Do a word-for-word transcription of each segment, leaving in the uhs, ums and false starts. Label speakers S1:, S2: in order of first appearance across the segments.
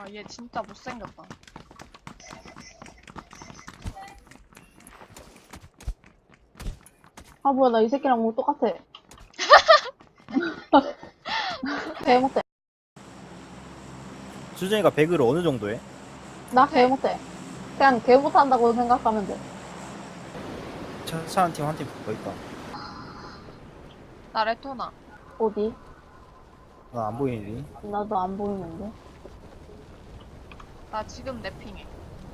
S1: 와, 얘 진짜 못생겼다.
S2: 아 뭐야 나 이 새끼랑 뭐 똑같아. 개못해.
S3: 수정이가 배그를 어느 정도 해?
S2: 나
S1: 네.
S2: 개못해. 그냥 개못한다고 생각하면 돼.
S3: 차 한 팀 한 팀 더 있다.
S1: 나 레토나.
S2: 어디?
S3: 나 안 보이니?
S2: 나도 안 보이는데.
S1: 나 지금 랩핑해.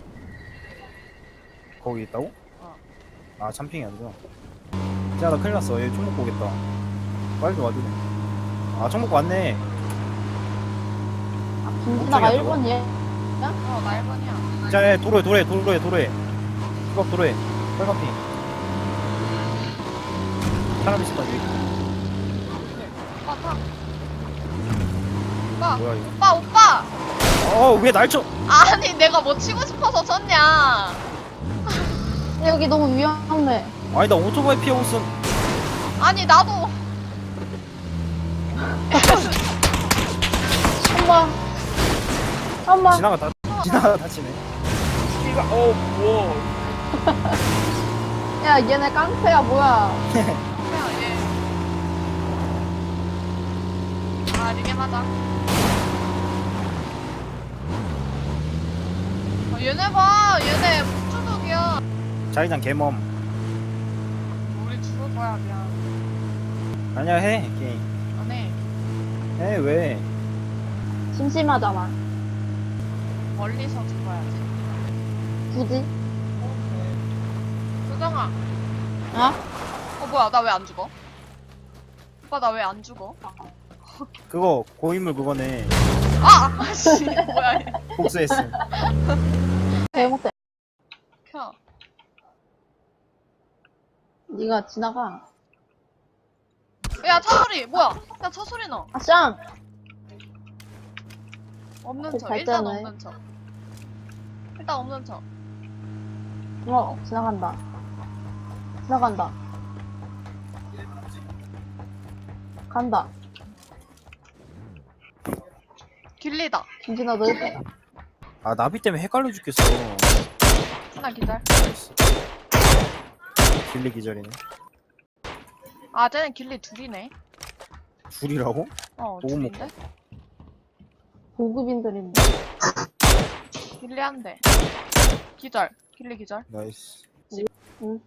S3: 거기 있다고?
S1: 어.
S3: 아 참핑이 아니구나. 야 나 큰일 났어. 얘 총 먹고 오겠다. 빨리 좀 와줘. 아 총 먹고 왔네.
S2: 아 김진아가
S3: 깜짝이야,
S2: 일 번이야?
S1: 어, 나 일 번이야.
S3: 자, 야, 도로에 도로에 도로에 도로에. 수박 도로에. 빨간 핑. 사람 있을 거 여기.
S1: 오빠 타. 오빠,
S3: 뭐야 이거?
S1: 오빠, 오빠!
S3: 어왜 날 쳐?
S1: 아니, 내가 뭐 치고 싶어서 쳤냐.
S2: 여기 너무 위험해.
S3: 아니 나 오토바이 피하고 있어.
S1: 아니, 나도.
S2: 엄마. 엄마.
S3: 지나가 다 지나가 다치네. 이가 어 뭐.
S2: 야 얘네 깡패야 뭐야.
S1: 그냥 얘. 아, 리게 맞아. 아, 얘네 봐. 얘네 북주독이야.
S3: 자기장 개멈.
S1: 우리 죽을 거야, 그냥.
S3: 아니야 해 게임.
S1: 안 해.
S3: 해 왜?
S2: 심심하잖아.
S1: 멀리서 죽어야지.
S2: 굳이?
S1: 수정아.
S2: 어?
S1: 어, 뭐야, 나 왜 안 죽어? 오빠, 나 왜 안 죽어?
S3: 그거 고인물 그거네.
S1: 아! 아씨, 뭐야, 얘.
S3: 복수했음.
S2: 개못해.
S1: 켜.
S2: 네가 지나가.
S1: 야, 차 소리! 뭐야? 야, 차 소리 나.
S2: 아 쌍.
S1: 없는
S2: 그
S1: 척. 일단
S2: 발전해.
S1: 없는 척. 일단 없는 척.
S2: 어 지나간다. 지나간다. 간다.
S1: 길리다.
S2: 김진아 너 일대.
S3: 아 나비 때문에 헷갈려 죽겠어.
S1: 하나 기다려.
S3: 나이스. 길리 기절이네.
S1: 아, 쟤는 길리 둘이네.
S3: 둘이라고?
S1: 어,
S3: 보고
S1: 둘인데?
S2: 고급인들인데.
S1: 길리 한 대. 기절. 길리 기절.
S3: 나이스.
S2: 응.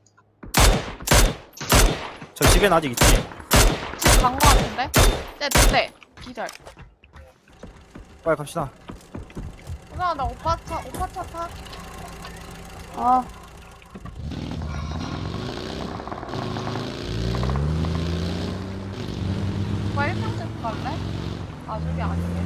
S3: 저 집엔 아직 있지?
S1: 집 간 거 같은데? 쟤 두 대. 기절.
S3: 빨리 갑시다.
S1: 누나, 나 오빠 차, 오빠 차 타.
S2: 아
S1: 오빠 일 평집 갈래? 아, 저기 아니네.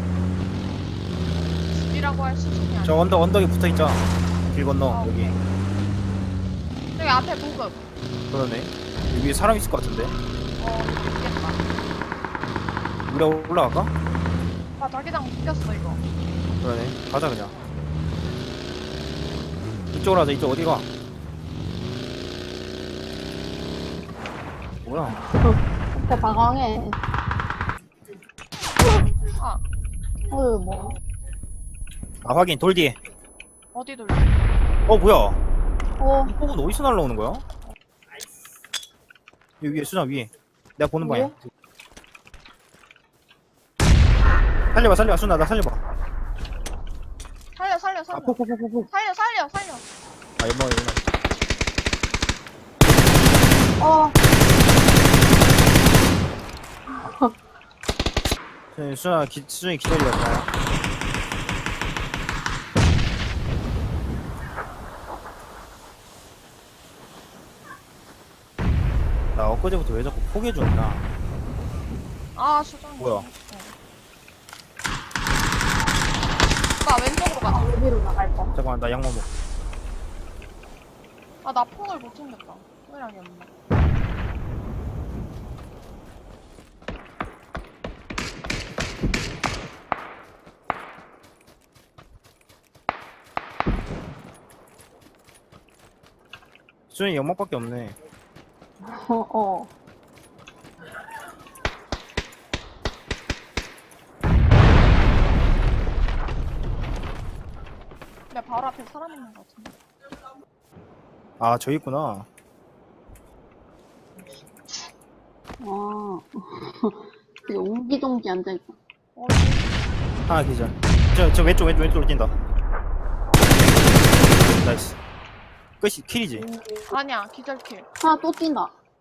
S1: 집이라고 할 수준이 아니야.
S3: 저 언덕 언덕에 붙어 있자. 길 건너
S1: 아,
S3: 여기.
S1: 저기 앞에 보급.
S3: 그러네. 여기 사람 있을 것 같은데.
S1: 어, 있겠다.
S3: 우리 올라갈까?
S1: 오빠 자기장 묶였어, 이거.
S3: 그러네. 가자 그냥. 이쪽으로 하자. 이쪽 어디가? 뭐야?
S2: 진짜 방황해.
S1: 아,
S2: 어휴 뭐.
S3: 아 확인. 돌 뒤에.
S1: 어디 돌려?
S3: 어 뭐야?
S2: 어
S3: 이 폭은 어디서 날라오는 거야? 여기 위에 수장 위에. 내가 보는 방향. 살려봐 살려봐 수나 나 살려봐.
S1: 살려, 살려, 살려.
S3: 아 폭폭폭폭폭.
S1: 살려, 살려, 살려.
S3: 아 연막 연막.
S2: 어.
S3: 네, 수나 기, 수정이 기다리다. 나 엊그제부터 왜 자꾸 포기해주나?
S1: 아, 수정.
S3: 뭐야?
S1: 어. 오빠 왼쪽으로 가자.
S2: 여기로 나갈 거.
S3: 잠깐만 나 양말 먹.
S1: 아, 나 폰을 못 챙겼다. 소리랑이 없네.
S3: 수정이 연막밖에 없네.
S2: 어 어.
S1: 내 바로 앞에 사람 있는 것 같은데.
S3: 아 저기 있구나.
S2: 아. 되게 옹기종기 앉아있다.
S1: 어,
S3: 하나 기절. 저, 저 왼쪽 왼쪽 왼쪽으로 뛴다. 나이스. 끝이 킬이지.
S1: 아니야, 기절킬.
S2: 하나 또 뛴다.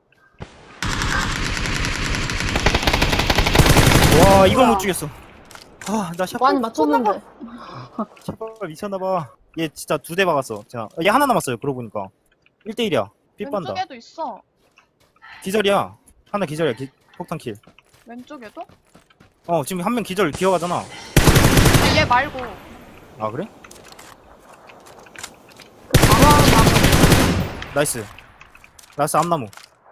S3: 와 이걸
S2: 뭐야.
S3: 못 죽였어. 아나
S2: 많이
S3: 샷발
S2: 맞췄는데.
S3: 샷발 미쳤나봐. 얘 진짜 두 대 박았어. 제가 얘 하나 남았어요. 그러고 보니까 일 대 일이야. 삐빤다.
S1: 왼쪽에도 있어.
S3: 기절이야. 하나 기절이야. 기, 폭탄 킬.
S1: 왼쪽에도?
S3: 어 지금 한 명 기절 기어가잖아.
S1: 아, 얘 말고.
S3: 아 그래?
S2: 바로 하나
S3: 나이스. 나이스 암나무.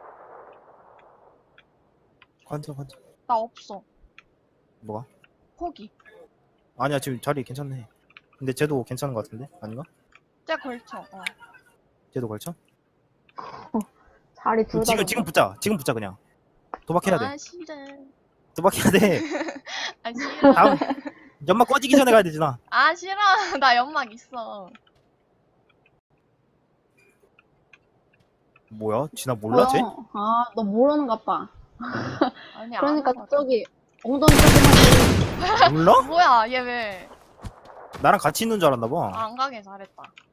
S3: 관자 관자.
S1: 나 없어.
S3: 뭐가?
S1: 포기.
S3: 아니야 지금 자리 괜찮네. 근데 쟤도 괜찮은 것 같은데? 아닌가?
S1: 쟤 걸쳐. 어.
S3: 쟤도 걸쳐?
S2: 자리 둘 다.
S3: 지금 지금 붙자. 지금 붙자 그냥. 도박해야 돼.
S1: 아, 싫어.
S3: 도박해야 돼.
S1: 아, 싫어.
S3: 다음 연막 꺼지기 전에 가야 되잖아.
S1: 아, 싫어. 나 연막 있어.
S3: 뭐야? 지나 몰라 쟤?
S2: 아, 너 모르는가 봐.
S1: 아니,
S2: 그러니까
S1: 아는 거 같아.
S2: 저기 엉덩이 쪽에만
S3: 몰라?
S1: 뭐야, 얘 왜?
S3: 나랑 같이 있는 줄 알았나 봐.
S1: 아, 안 가게 잘했다.